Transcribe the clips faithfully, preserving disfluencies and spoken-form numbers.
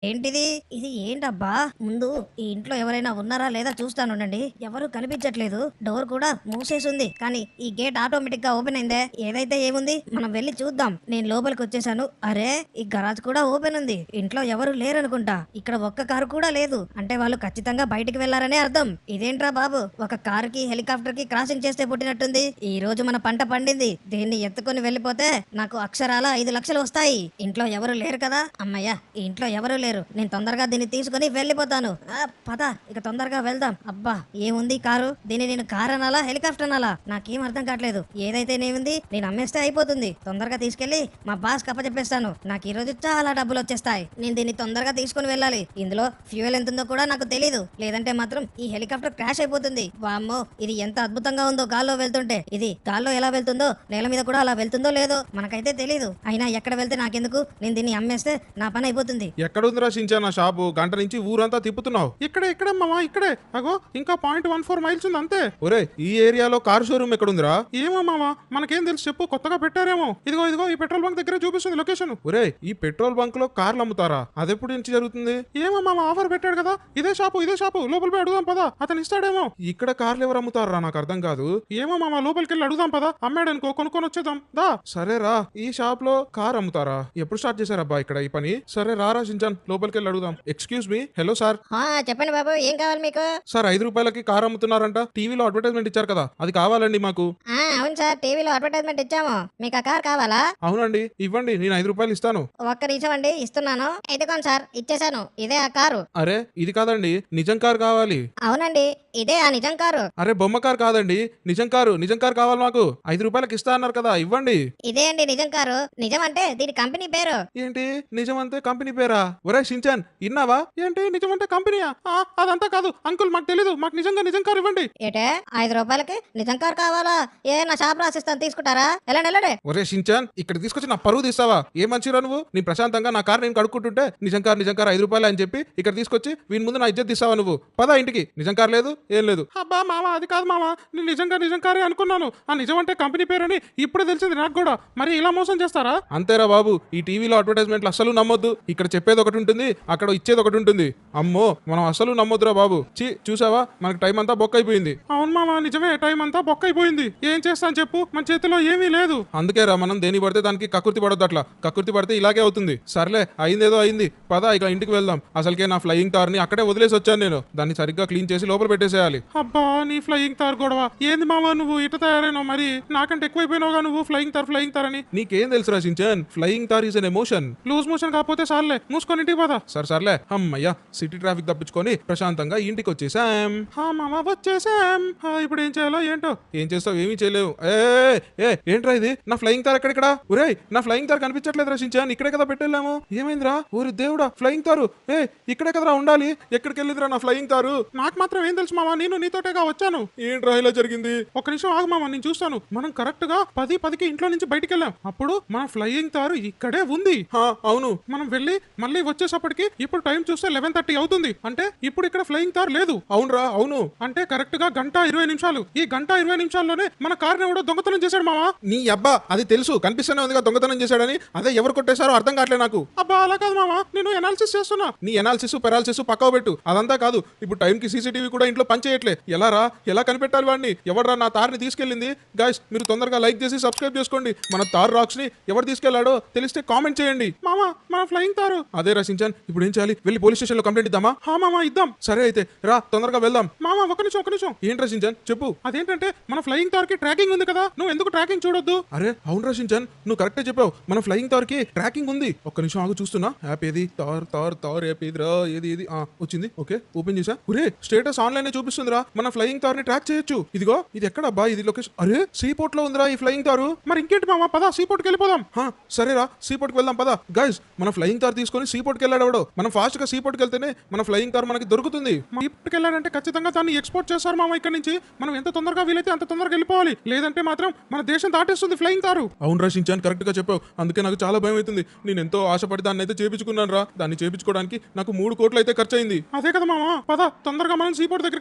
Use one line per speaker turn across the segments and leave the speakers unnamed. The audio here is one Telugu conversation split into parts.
ఏంటిది? ఇది ఏంటబ్బా? ముందు ఈ ఇంట్లో ఎవరైనా ఉన్నారా లేదా చూస్తానుండండి. ఎవరు కనిపించట్లేదు. డోర్ కూడా మూసేసుంది. కానీ ఈ గేట్ ఆటోమేటిక్ గా ఓపెన్ అయిందే. ఏదైతే ఏముంది మనం వెళ్ళి చూద్దాం. నేను లోపలికి వచ్చేసాను. అరే ఈ గరాజ్ కూడా ఓపెన్ ఉంది. ఇంట్లో ఎవరు లేరనుకుంటా. ఇక్కడ ఒక్క కారు కూడా లేదు. అంటే వాళ్ళు ఖచ్చితంగా బయటికి వెళ్లారనే అర్థం. ఇదేంట్రా బాబు? ఒక కారుకి హెలికాప్టర్ కి క్రాసింగ్ చేస్తే పుట్టినట్టుంది. ఈ రోజు మన పంట పండింది. దీన్ని ఎత్తుకొని వెళ్ళిపోతే నాకు అక్షరాల ఐదు లక్షలు వస్తాయి. ఇంట్లో ఎవరు లేరు కదా? అమ్మయ్య ఈ ఇంట్లో ఎవరు లేరు. నేను తొందరగా దీన్ని తీసుకుని వెళ్ళిపోతాను. ఆ, పద ఇక తొందరగా వెళ్దాం. అబ్బా ఏముంది ఈ కారు? దీన్ని నేను కారు అనాలా హెలికాప్టర్ అనాలా నాకేం అర్థం కావట్లేదు. ఏదైతే నేముంది నేను అమ్మేస్తే అయిపోతుంది. తొందరగా తీసుకెళ్లి మా బాస్ కప్పచెప్పేస్తాను. నాకు ఈ రోజు చాలా డబ్బులు వచ్చేస్తాయి. నేను దీన్ని తొందరగా తీసుకుని వెళ్ళాలి. ఇందులో ఫ్యూయల్ ఎంత ఉందో కూడా నాకు తెలియదు. లేదంటే మాత్రం ఈ హెలికాప్టర్ క్రాష్ అయిపోతుంది. వామ్మో ఇది ఎంత అద్భుతంగా ఉందో గాల్లో వెళ్తుంటే. ఇది గాల్లో ఎలా వెళ్తుందో నేల మీద కూడా అలా వెళ్తుందో లేదో మనకైతే తెలియదు. అయినా ఎక్కడ వెళ్తే నాకెందుకు? నేను దీన్ని అమ్మేస్తే నా పని అయిపోతుంది.
ఎక్కడుందిరా షించాన్ ఆ షాపు? గంట నుంచి ఊరంతా తిప్పుతున్నావు. ఇక్కడే ఇక్కడే మావా ఇక్కడే. అగో ఇంకా పాయింట్ వన్ ఫోర్ మైల్స్ ఉంది అంతే. ఒరే ఈ ఏరియాలో కార్ షోరూమ్ ఎక్కడుందిరా? ఏమో మావా మనకేం తెలుసు చెప్పు. కొత్తగా పెట్టారేమో. ఇదిగో ఇదిగో ఈ పెట్రోల్ బంక్ దగ్గర చూపిస్తుంది లొకేషన్. ఒరే ఈ పెట్రోల్ బంక్ లో కార్లు అమ్ముతారా? అదెప్పుడు నుంచి జరుగుతుంది? ఏమో మావా ఆఫర్ పెట్టాడు కదా. ఇదే షాపు ఇదే షాపు లోపల పోయి అడుగుదాం పదా. అతను ఇస్తాడేమో. ఇక్కడ కార్లు ఎవరు అమ్ముతారా? నాకు అర్థం కాదు. ఏమో మామా లోపలికి వెళ్ళి అడుగుదాం పదా. అమ్మాడనుకో కొనుక్కొని వచ్చేద్దాం దా. సరేరా ఈ షాప్ లో కార్ అమ్ముతారా? ఎప్పుడు స్టార్ట్ చేశారబ్బా ఇక్కడ ఈ పని? సరే రారా షించాన్ లోపలికి వెళ్ళి అడుగుదాం. Excuse me. Hello sir.
ఆ, చెప్పండి బాబు ఏం కావాలి మీకు?
సార్ ఐదు రూపాయలకి కార్ అమ్ముతున్నారంట. టీవీలో అడ్వర్టైజ్మెంట్ ఇచ్చారు కదా అది కావాలండి మాకు.
ఆ, అవును సార్ టీవీలో అడ్వర్టైజ్మెంట్ ఇచ్చాము. మీకు ఆ కార్ కావాలా?
అవునండి ఇవ్వండి నేను ఐదు రూపాయలు ఇస్తాను.
ఒక్క నిమిషం అండి ఇస్తున్నాను. ఇదిగోండి సార్ ఇచ్చేసాను. ఇదే ఆ కారు.
అరే ఇది కాదండి నిజం కార్ కావాలి.
అవునండి ఇదే ఆ నిజం కారు.
అరే బొమ్మ కార్ కాదండి నిజం కారు. నిజం కార్ కావాలి మాకు. ఐదు రూపాయలకి ఇస్తా అన్నారు కదా ఇవ్వండి.
ఇదే అండి నిజం కారు. నిజం అంటే దీని కంపెనీ పేరు.
ఏంటి నిజం అంతే కంపెనీ పేరా? ఒరే షించాన్ ఇన్నావా? ఏంటి నిజం అంటే కంపెనీయా? ఆ, అదంతా కాదు అంకుల్ మాకు తెలీదు. మాకు నిజంగా నిజం కారు ఇవ్వండి.
ఏటే ఐదు రూపాయలకి నిజం కారు కావాలా? ఏ నా షాప్ రాసిస్తాను తీసుకుంటారా? వెళ్ళండి వెళ్ళండి.
ఒరే షించాన్ ఇక్కడ తీసుకొచ్చి నా పరువు తీస్తావా? ఏ మంచిరా నువ్వు? నీ ప్రశాంతంగా నా కార్ నేను కడుక్కుంటుంటే నిజం కార్ నిజం కార్ ఐదు రూపాయలు అని చెప్పి ఇక్కడ తీసుకొచ్చి వీని ముందు నా ఇజ్జత్ తీస్తావా నువ్వు? పదా ఇంటికి. నిజం కార్ లేదు ఏం లేదు. అబ్బా మామ అది కాదు మామ. నేను నిజంగా నిజం కారే అనుకున్నాను. ఆ నిజం అంటే కంపెనీ పేరని ఇప్పుడే తెలిసింది నాకు కూడా. మరి ఇలా మోసం చేస్తారా? అంతేరా బాబు ఈ టీవీలో అడ్వర్టైజ్మెంట్లు అస్సలు నమ్మొద్దు. ఇక్కడ చెప్పేది ఒకటి ఉంటుంది అక్కడ ఇచ్చేది ఒకటి ఉంటుంది. అమ్మో మనం అస్సలు నమ్మొద్దురా బాబు. చి చూసావా మనకి టైం అంతా బొక్క అయిపోయింది. అవును మామ నిజమే టైం అంతా బొక్క అయిపోయింది. ఏం చేస్తాను చెప్పు మన చేతిలో ఏమీ లేదు. అందుకే రా మనం దేని పడితే దానికి కకుర్తి పడొద్దు. అట్లా కకుర్తి పడితే ఇలాగే అవుతుంది. సర్లే అయిందేదో అయింది పదా ఇక ఇంటికి వెళ్దాం. అసలుకే నా ఫ్లయింగ్ తార్ ని అక్కడే వదిలేసి వచ్చాను నేను. దాన్ని సరిగ్గా క్లీన్ చేసి లోపల పెట్టేసేయాలి. అబ్బా నీ ఫ్లయింగ్ తార్ గొడవ ఏంది మామ? నువ్వు ఇట తయారైనావు మరి. నాకంటే ఎక్కువైపోయినావుగా నువ్వు ఫ్లయింగ్ తార్ ఫ్లయింగ్ తార్ అని. నీకేం తెలుసు రాసించాన్? Flying Thar is an emotion. Loose motion కాకపోతే సార్లే మూసుకొని ఇంటికి పోదా. సరే సర్లే అమ్మయ్యా సిటీ ట్రాఫిక్ తప్పించుకొని ప్రశాంతంగా ఇంటికి వచ్చేసాం. హా మామ వచ్చేసాం. ఇప్పుడు ఏం చేయాలో ఏంటో. ఏం చేస్తావు? ఏమీ చేయలేవు. ఏ ఏ ఏంట్రా ఇది? నా ఫ్లయింగ్ తార్ ఎక్కడిక్కడ? ఒరే నా ఫ్లయింగ్ తార్ కనిపించట్లేదు రచించాన్. ఇక్కడే కదా పెట్టెళ్ళాము. ఏమైందిరా? ఊరి దేవుడా ఫ్లయింగ్ తారు. ఏ ఇక్కడే కదరా ఉండాలి. ఎక్కడికి వెళ్ళిందిరా నా ఫ్లయింగ్ తారు? నాకు మాత్రం ఏం తెలుసు మామ. నేను నీతోటేగా వచ్చాను. ఏంట్రా ఇలా జరిగింది? ఒక నిమిషం ఆగు మామ నేను చూస్తాను. మనం కరెక్ట్ గా పది పదికి ఇంట్లో నుంచి బయటికి వెళ్ళాం. అప్పుడు మన ఫ్లయింగ్ తారు ఇక్కడే ఉంది. అవును మనం వెళ్ళి మళ్ళీ వచ్చేసప్పటికి ఇప్పుడు టైం చూస్తే లెవెన్ థర్టీ అవుతుంది. అంటే ఇప్పుడు ఇక్కడ ఫ్లయింగ్ తార్ లేదు. అవునరా అవును. అంటే కరెక్ట్ గా గంట ఇరవై నిమిషాలు. ఈ గంట ఇరవై నిమిషాల్లోనే మన కార్ ఎవడో దొంగతనం చేశాడు మామ. నీ అబ్బా అది తెలుసు కనిపిస్తూనే ఉందిగా దొంగతనం చేశాడని. అదే ఎవరు కొట్టేశారో అర్థం కావట్లేదు నాకు. అబ్బా అలా కాదు మామ నేను ఎనాలిసిస్ చేస్తున్నా. నీ ఎనాలిసిస్ పెరాలిసిస్ పక్కవ పెట్టు. అదంతా కాదు ఇప్పుడు టైం కి సీసీటీవీ కూడా ఇంట్లో పనిచేయట్లే. ఎలా రా ఎలా కనిపెట్టాలి వాడిని? ఎవడరా నా తార్ని తీసుకెళ్ళింది? గైస్ మీరు తొందరగా లైక్ చేసి సబ్స్క్రైబ్ చేసుకోండి. మన తార్ రాక్స్ ని ఎవరు తీసుకెళ్లాడో తెలిస్తే కామెంట్ చేయండి. మామ మన ఫ్లయింగ్ తారు అదే రచించాన్. ఇప్పుడు ఏం చేయాలి? వెళ్ళి పోలీస్ స్టేషన్ లో కంప్లైంట్ ఇద్దామా? హా మామ ఇద్దాం. సరే అయితే రా తొందరగా వెళ్దాం. మామ ఒక నిమిషం ఒక నిమిషం. ఏంటి రచించాన్ చెప్పు. అదేంటంటే మన ఫ్లయింగ్ తార్ కి ట్రాకింగ్ ఉంది కదా. నువ్వు ఎందుకు ట్రాకింగ్ చూడొద్దు? అరే అవును రచించాన్ నువ్వు కరెక్టే చెప్పావు. మన ఫ్లయింగ్ తార్ కి ట్రాకింగ్ ఉంది. ఒక్క నిమిషం ఆగు చూస్తున్నా. యాప్ ఏది? తార్ తార్ తార్ యాప్ ఏదిరా? ఏది ఏది వచ్చింది. ఓకే ఓపెన్ చేసా. ఒరే స్టేటస్ ఆన్లైన్ చూపిస్తుందిరా. మన ఫ్లయింగ్ తార్ ని ట్రాక్ చేయొచ్చు. ఇదిగో ఇది ఎక్కడబ్బా? ఇది లొకేషన్. అరే సీపోర్ట్ లో ఉందిరా ఈ ఫ్లయింగ్ తారు. మరి ఇంకేంటి మామ పదా సీపోర్ట్ కి వెళ్ళిపోదాం. సరేరా సీపోర్ట్ కి వెళ్దాం పదా. గైస్ మన ఫ్లయింగ్ తార్ తీసుకొని సీపోర్ట్ కి వెళ్ళాడు. మనం ఫాస్ట్ గా సీపోర్ట్ కి వెళ్తేనే మన ఫ్లయింగ్ తార్ మనకి దొరుకుతుంది. సీపోర్ట్ కి వెళ్ళాడంటే ఖచ్చితంగా దాన్ని ఎక్స్పోర్ట్ చేస్తారు మామ ఇక్కడ నుంచి. మనం ఎంత తొందరగా వీలైతే అంత తొందరగా వెళ్ళిపోవాలి. లేదంటే మాత్రం మన దేశం దాటేస్తుంది ఫ్లయింగ్ తారు. అవును రచించాను కరెక్ట్ గా చెప్పావు. అందుకే నాకు చాలా భయం అవుతుంది. నేను ఎంతో ఆశపడి దాన్ని అయితే చేపించుకున్నాను రా. దాన్ని చేపించుకోవడానికి నాకు మూడు కోట్లు అయితే ఖర్చు అయింది. అదే కదా మామ పద తొందరగా మనం సీపోర్ట్ దగ్గరికి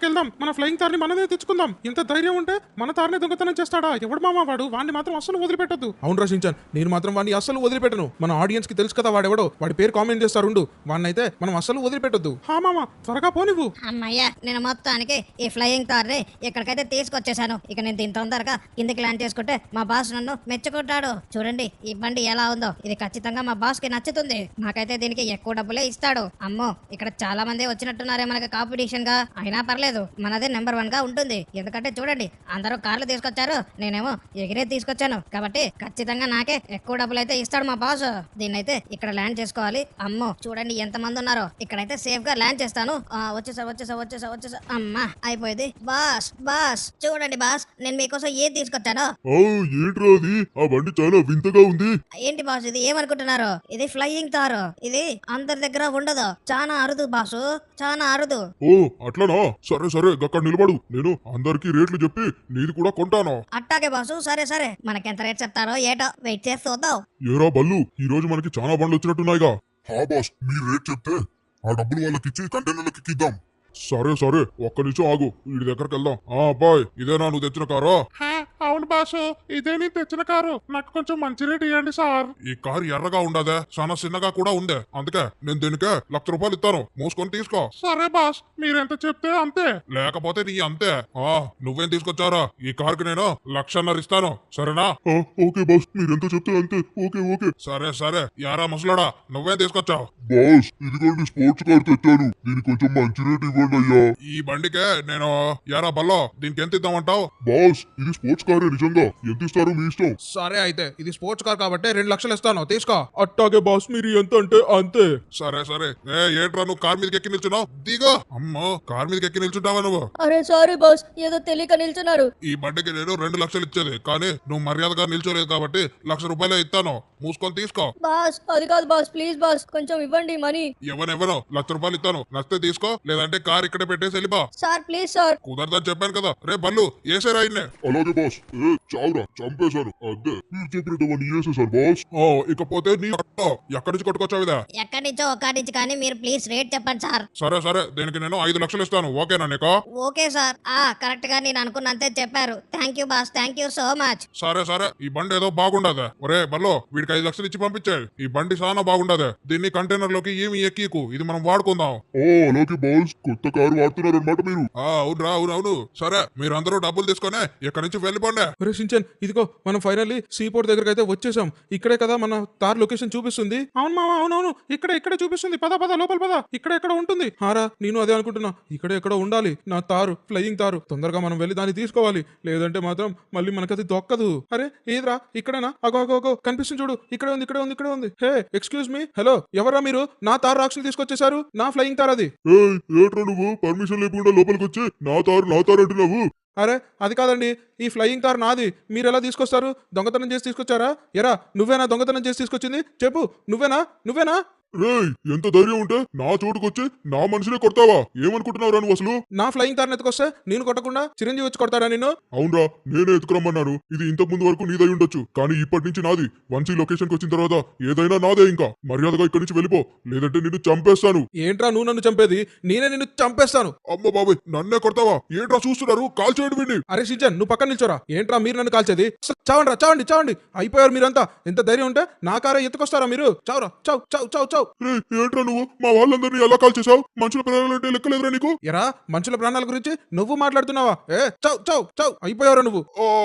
వెళ్దాం, మన ఫ్లయింగ్ తార్ ని మనమే తెచ్చుకుందాం. ఇంత ధైర్యం ఉంటే మన తారనే దొంగతనం చేస్తాడా? ఎవడు మామ వాడు? వాడిని మాత్రం అస్సలు వదిలిపెట్టద్దు. అవును రచించాను, నేను మాత్రం వాడిని అస్సలు వదిలిపెట్టను. మన ఆడియన్స్ కి తెలుసు కదా వాడెవడో, వాడి పేరు కామెంట్ చేస్తారు. వాడినైతే మనం అస్సలు వదిలిపెట్టద్దు. హా మామ త్వరగా పోనివ్వు.
అమ్మయ్యా, నేను మొత్తానికి ఈ ఫ్లయింగ్ తార్ ని ఇక్కడికైతే తీసుకొచ్చేసాను. ఇక నేను దీని తొందరగా కిందికి ల్యాండ్ చేసుకుంటే మా బాస్ నన్ను మెచ్చుకుంటాడు. చూడండి ఈ బండి ఎలా ఉందో, ఇది ఖచ్చితంగా మా బాస్ కి నచ్చుతుంది. నాకైతే దీనికి ఎక్కువ డబ్బులే ఇస్తాడు. అమ్మో, ఇక్కడ చాలా మంది వచ్చినట్టున్నారే మనకి కాంపిటీషన్ గా. అయినా పర్లేదు, మనదే నెంబర్ వన్ గా ఉంటుంది. ఎందుకంటే చూడండి, అందరూ కార్లు తీసుకొచ్చారు, నేనేమో ఎగిరే తీసుకొచ్చాను. కాబట్టి ఖచ్చితంగా నాకే ఎక్కువ డబ్బులు అయితే ఇస్తాడు మా బాస్. దీన్నైతే ఇక్కడ ల్యాండ్ చేసుకోవాలి. అమ్మో చూడండి ఎంత మంది ఉన్నారో. ఇక్కడైతే సేఫ్ గా ల్యాండ్ చేస్తాను. ఆ, వచ్చేసా వచ్చేసా వచ్చేసా వచ్చేసా అమ్మా అయిపోయింది. బాస్ బాస్ చూడండి బాస్, నేను మీకోసం ఏది తీసుకొచ్చాను.
ఓ ఏంట్రా అది? ఆ బండి చాలా వింతగా ఉంది.
ఏంటి బాస్ ఇది? ఏమనుకుంటున్నారు? ఇది ఫ్లయింగ్ తారు. ఇది అందరి దగ్గర ఉండదు, చాలా అరుదు బాసు, చాలా అరుదు.
ఓ అట్లనా? సరే సరే అక్కడ నిలబడు, నేను అందరికి రేట్లు చెప్పి నీది కూడా కొంటాను.
అట్టాగే బాసు, సరే సరే. మనకెంత రేట్ చెప్తారో ఏటో వెయిట్ చేసి చూద్దాం.
ఏరా బల్లు, ఈ రోజు మనకి చాలా బండ్లు వచ్చినట్టున్నాయిగా. హా బాస్, మీరు రేట్ చెప్తే ఆ డబ్బులు వాళ్ళకి ఇచ్చి కంటైనర్లకి ఇద్దాం. సరే సరే ఒక్క నిమిషం ఆగు, వీడి దగ్గరికి వెళ్దాం. ఆ అబ్బాయి, ఇదేనా నువ్వు తెచ్చిన కారా?
అవును బాసు, ఇదే నేను తెచ్చిన కారు. నాకు కొంచెం మంచి రేట్ ఇవ్వండి సార్.
ఈ కారు ఎర్రగా ఉండదే, చాలా చిన్నగా కూడా ఉందే. అందుకే నేను దీనికే లక్ష రూపాయలు ఇస్తాను, మూసుకొని తీసుకో.
సరే బాస్, మీరెంత చెప్తే అంతే.
లేకపోతే నీ అంతే. ఆ నువ్వేం తీసుకొచ్చారా? ఈ కారుకి నేను లక్షన్నర ఇస్తాను, సరేనా? ఓకే బాస్, మీరెంత చెప్తే అంతే. ఓకే ఓకే సరే సరే. యారా ముసలాడా, నువ్వేం తీసుకొచ్చావు? బాస్, ఇదిగోండి స్పోర్ట్స్ కార్ తెచ్చాను, దీనికి కొంచెం మంచి రేట్ ఇవ్వండి అయ్యా. ఈ బండికే నేను యారా బల్లో, దీనికి ఎంత ఇద్దామంటావు? బాస్, ఇది స్పోర్ట్స్ కారే నిజంగా. ఎంత ఇస్తారు మీ ఇష్టం.
సరే అయితే ఇది స్పోర్ట్స్ కార్ కాబట్టి రెండు లక్షలు ఇస్తాను, తీసుకో. అట్టాగే బాస్, మీరు ఎంత అంటే అంతే.
సరే సరే. ఏ ఏంట్రా నువ్వు కార్ మీదకి ఎక్కి నిల్చున్నావు? దిగో. అమ్మో, కార్ మీదకి ఎక్కి నిల్చుంటావా నువ్వు?
అరే సారీ బాస్, ఏదో తెలియక నిల్చున్నారు.
ఈ బండికి నేను రెండు లక్షలు ఇచ్చేది, కానీ నువ్వు మర్యాదగా నిల్చోలేదు కాబట్టి లక్ష రూపాయలే ఇస్తాను, మూసుకొని తీసుకో.
బాస్ అది కాదు బాస్, ప్లీజ్ బాస్ కొంచెం ఇవ్వండి మనీ.
ఎవరెవరో లక్ష రూపాయలు ఇస్తాను, నచ్చితే తీసుకో, లేదంటే కార్ ఇక్కడే పెట్టేసి వెళ్ళిపో.
Sir please sir.
కుదరదని చెప్పాను కదా. రే బల్లు, ఏసేరా ఇన్నే. అలాగే బాస్. ఏ చావురా, చంపేశాను. అదే మీరు చెప్పినటువంటి ఏసేసారు బాస్. ఇకపోతే నీ అక్క ఎక్కడి నుంచి కొట్టుకొచ్చావిదా?
ఎక్కడి నుంచో ఒక్కడి నుంచి, కానీ మీరు ప్లీజ్ రేట్ చెప్పండి సార్.
సరే సరే, దీనికి నేను ఐదు లక్షలు ఇస్తాను, ఓకేనా నీకు?
Okay sir. ఆ కరెక్ట్ గా నేను అనుకున్నంతే చెప్పారు. Thank you boss, thank you so much.
సరే సరే, ఈ బండి ఏదో బాగుండదే. ఒరే బల్లో, వీడికి ఐదు లక్షలు ఇచ్చి పంపించాయి. ఈ బండి చాలా బాగుండదే, దీన్ని కంటైనర్ లోకి ఏమి ఎక్కీకు, ఇది మనం వాడుకుందాం. ఓ అలాగే బాస్, కొత్త కారు వాడుతున్నారు అనమాట మీరు. అవునరా, అవును అవును. సరే, మీరందరూ డబ్బులు తీసుకొని ఇక్కడి నుంచి వెళ్ళిపోండి.
ఒరే షించాన్, ఇదిగో మనం ఫైనల్లీ సీపోర్ట్ దగ్గరికి అయితే వచ్చేసాం. ఇక్కడే కదా మన తార్ లొకేషన్ చూపిస్తుంది. అవును మామ, అవునవును, ఇక్కడ ఇక్కడే చూపిస్తుంది. పద పద లోపల పద, ఇక్కడ ఎక్కడ ఉంటుంది. హారా, నేను అదే అనుకుంటున్నా, ఇక్కడ ఎక్కడ ఉండాలి నా తారు, ఫ్లయింగ్ తారు. తొందరగా మనం వెళ్ళి దాన్ని తీసుకోవాలి, లేదంటే మాత్రం మళ్ళీ మనకది దొక్కదు. అరే ఏదిరా, ఇక్కడేనా? అగో అగో అగో కనిపిస్తుంది చూడు, ఇక్కడే ఉంది ఇక్కడే ఉంది ఇక్కడే ఉంది. హే ఎక్స్క్యూజ్ మీ, హలో, ఎవరా మీరు? నా తారు రాక్షసులు తీసుకొచ్చేసారు, నా ఫ్లయింగ్ తార్ అది.
ఏట్రా నువ్వు పర్మిషన్ లేకుండా లోపలికి వచ్చి నా తారు నా తారు అంటున్నావు?
అరే అది కాదండి, ఈ ఫ్లయింగ్ కార్ నాది, మీరు ఎలా తీసుకొస్తారు? దొంగతనం చేసి తీసుకొచ్చారా? ఎరా నువ్వేనా దొంగతనం చేసి తీసుకొచ్చింది? చెప్పు, నువ్వేనా నువ్వేనా?
రేయ్, ఎంత ధైర్యం ఉంటే నా చోటుకొచ్చి నా మనిషినే కొడతావా? ఏమనుకుంటున్నావురా నువ్వు అసలు?
నా ఫ్లయింగ్ కార్ ఎత్తుకొస్తే నేను కొట్టకుండా చిరంజీవి వచ్చి కొడతాడా నిన్ను?
అవునరా, నేనే ఎత్తుకురమ్మన్నాను. ఇది ఇంతకు ముందు వరకు నీదై ఉండొచ్చు, కానీ ఇప్పటి నుంచి నాది. వన్స్ ఈ లొకేషన్ కి వచ్చిన తర్వాత ఏదైనా నాదే. ఇంకా మర్యాదగా ఇక్కడి నుంచి వెళ్ళిపో, లేదంటే నిన్ను చంపేస్తాను.
ఏంట్రా నువ్వు నన్ను చంపేది? నేనే నిన్ను చంపేస్తాను.
అమ్మ బాబాయ్, నన్నే కొడతావా? ఏంట్రా చూస్తున్నారు? కాల్ చేయండి వీడిని.
అరే షిజన్, నువ్వు పక్కన నిల్చోరా. ఏంట్రా మీరు నన్ను కాల్చేది? చావండి రా, చావండి చావండి. అయిపోయారు మీరంతా. ఎంత ధైర్యం ఉంటే నా కారే ఎత్తుకొస్తారా మీరు? చావురా, చావు చావు చావు చావు.
ఏంట్రా నువ్వు మా వాళ్ళందరినీ ఎలా కాల్ చేసావు? మనుషుల ప్రాణాలంటే లెక్కలేదురా నీకు?
ఎరా మనుషుల ప్రాణాల గురించి నువ్వు మాట్లాడుతున్నావా? ఏ చౌ చౌ చౌ అయిపోయావురా నువ్వు.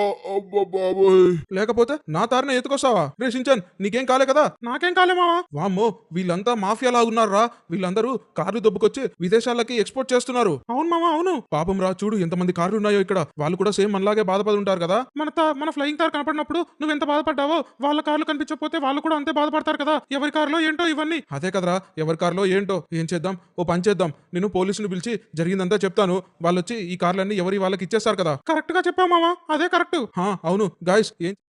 లేకపోతే నా తారనే ఎత్తుకొస్తావా? రే షించాన్, నీకేం కాలే కదా? నాకేం కాలే మావా. వామ్మో, వీళ్ళంతా మాఫియాలా ఉన్నారా? వీళ్ళందరూ కార్లు దొబ్బుకొచ్చి విదేశాలకి ఎక్స్పోర్ట్ చేస్తున్నారు. అవును మావా, అవును. పాపం రా, చూడు ఎంతమంది కార్లు ఉన్నాయో ఇక్కడ. వాళ్ళు కూడా సేమ్ మనలాగే బాధపడి ఉంటారు కదా. మన తా మన ఫ్లయింగ్ తార్ కనపడినప్పుడు నువ్వు ఎంత బాధపడ్డావో, వాళ్ళ కార్లు కనిపించకపోతే వాళ్ళు కూడా అంతే బాధపడతారు కదా. ఎవరి కారులో ఏంటో ఇవన్నీ. అదే కదరా, ఎవరి కార్లో ఏంటో. ఏం చేద్దాం, ఓ పని చేద్దాం, నేను పోలీసుని పిలిచి జరిగిందంతా చెప్తాను. వాళ్ళు వచ్చి ఈ కార్లన్నీ ఎవరి వాళ్ళకి ఇచ్చేస్తారు కదా. కరెక్ట్ గా చెప్పావు మావా, అదే కరెక్ట్. అవును గాయస్, ఏం